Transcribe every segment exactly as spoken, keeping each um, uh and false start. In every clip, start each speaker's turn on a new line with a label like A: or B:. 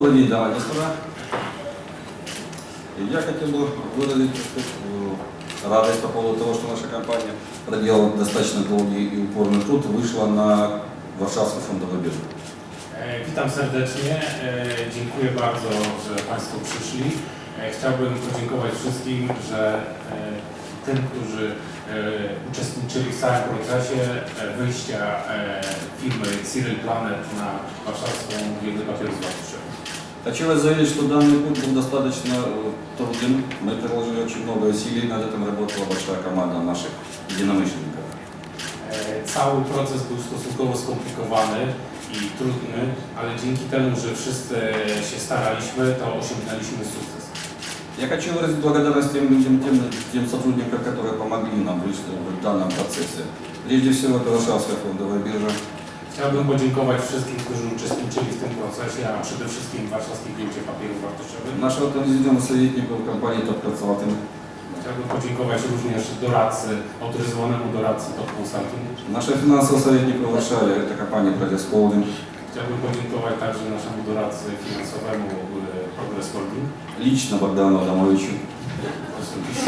A: Добрый день, дамы и господа. Я хотел бы выразить радость по поводу того, что наша компания, проделала достаточно долгий и упорный труд, вышла на Warszawską Fondową Biurę.
B: Witam serdecznie, dziękuję bardzo, że Państwo przyszli. Chciałbym podziękować wszystkim, że tym, którzy uczestniczyli w całym procesie wyjścia firmy Cyril Planet na warszawską giełdę papierów wartościowych.
A: Хочу вас заверить, что данный путь был достаточно труден. Мы приложили очень много усилий, над этим работала большая команда наших единомышленников.
B: Cały proces był stosunkowo skomplikowany i trudny, ale dzięki temu, że wszyscy się staraliśmy, to osiągnęliśmy sukces.
A: Я хочу выразить благодарность тем людям, тем, тем сотрудникам, которые помогли нам в данном процессе. Прежде всего, это Warszawska Fondowая Biurza.
B: Chciałbym podziękować wszystkim, którzy uczestniczyli w tym procesie, a przede wszystkim Warszawskiej Giełdzie Papierów Wartościowych.
A: Нашего президента советников компании Top Consulting.
B: Chciałbym podziękować również doradcy, autoryzowanemu doradcy Top Consulting.
A: Нашего финансового советника в Варшаве, это компания Progress Holding.
B: Chciałbym podziękować także naszemu doradcy finansowemu Progress Holding.
A: Лично Богдану Адамовичу.
B: Osobiście.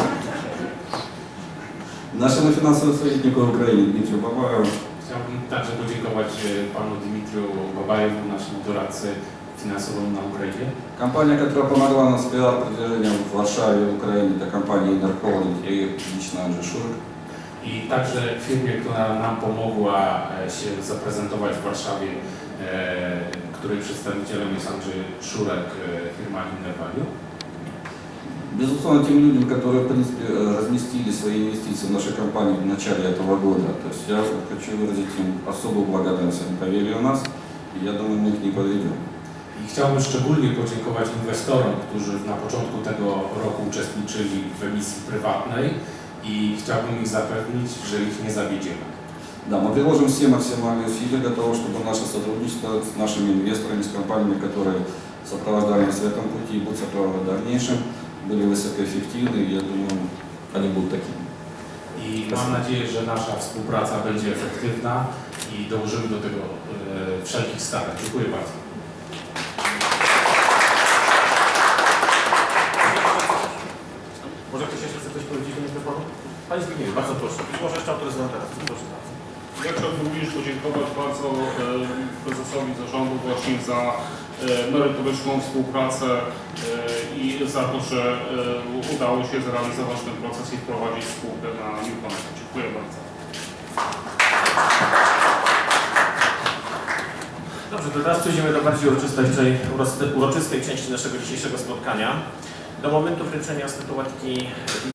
A: Нашему финансовому советнику в Украине Дмитрию Бабаеву.
B: Chciałbym także поdziękować panu Dimitriu Babajewu, naszemu doradcy finansowemu na Ukrainie.
A: Компания, которая помогла нам с пиар-продвижением в Варшаве, в Украине, это компания Inner Holding и лично Andrzej Szurek.
B: I także firmie, która nam pomogła się zaprezentować w Warszawie, e, której przedstawicielem jest Andrzej Szurek, firma Inner Value.
A: Безусловно, тем людям, которые, в принципе, разместили свои инвестиции в нашу компанию в начале этого года. То есть я хочу выразить им особую благодарность. Они поверили в нас, и я думаю, мы их не подведем.
B: I chciałbym szczególnie podziękować inwestorom, którzy na początку tego roku uczestniczyli w emisji prywatnej i chciałbym ich zapewnić, że ich nie zawiedziemy.
A: Да, мы приложим все максимальные усилия для того, чтобы наше сотрудничество с нашими инвесторами, с компаниями, которые сопровождали нас в этом пути и будут сопровождать в дальнейшем, были высокоэффективны, и я думаю, они будут такими.
B: I mam nadzieję, że nasza współpraca będzie efektywna i dołożymy do tego e, wszelkich starań. Dziękuję bardzo.
C: Może ktoś jeszcze chce coś powiedzieć do mikrofonu? Panie Zbigniewie, bardzo proszę. Być może jeszcze autoryzowan teraz. Proszę bardzo.
D: Ja chciałbym również podziękować bardzo e, prezesowi zarządu właśnie za e, merytoryczną współpracę e, i za to, że e, udało się zrealizować ten proces i wprowadzić spółkę na Newconet. Dziękuję bardzo.
C: Dobrze, to teraz przejdziemy do bardziej uroczystej, uroczystej części naszego dzisiejszego spotkania. Do momentu wręczenia statuetki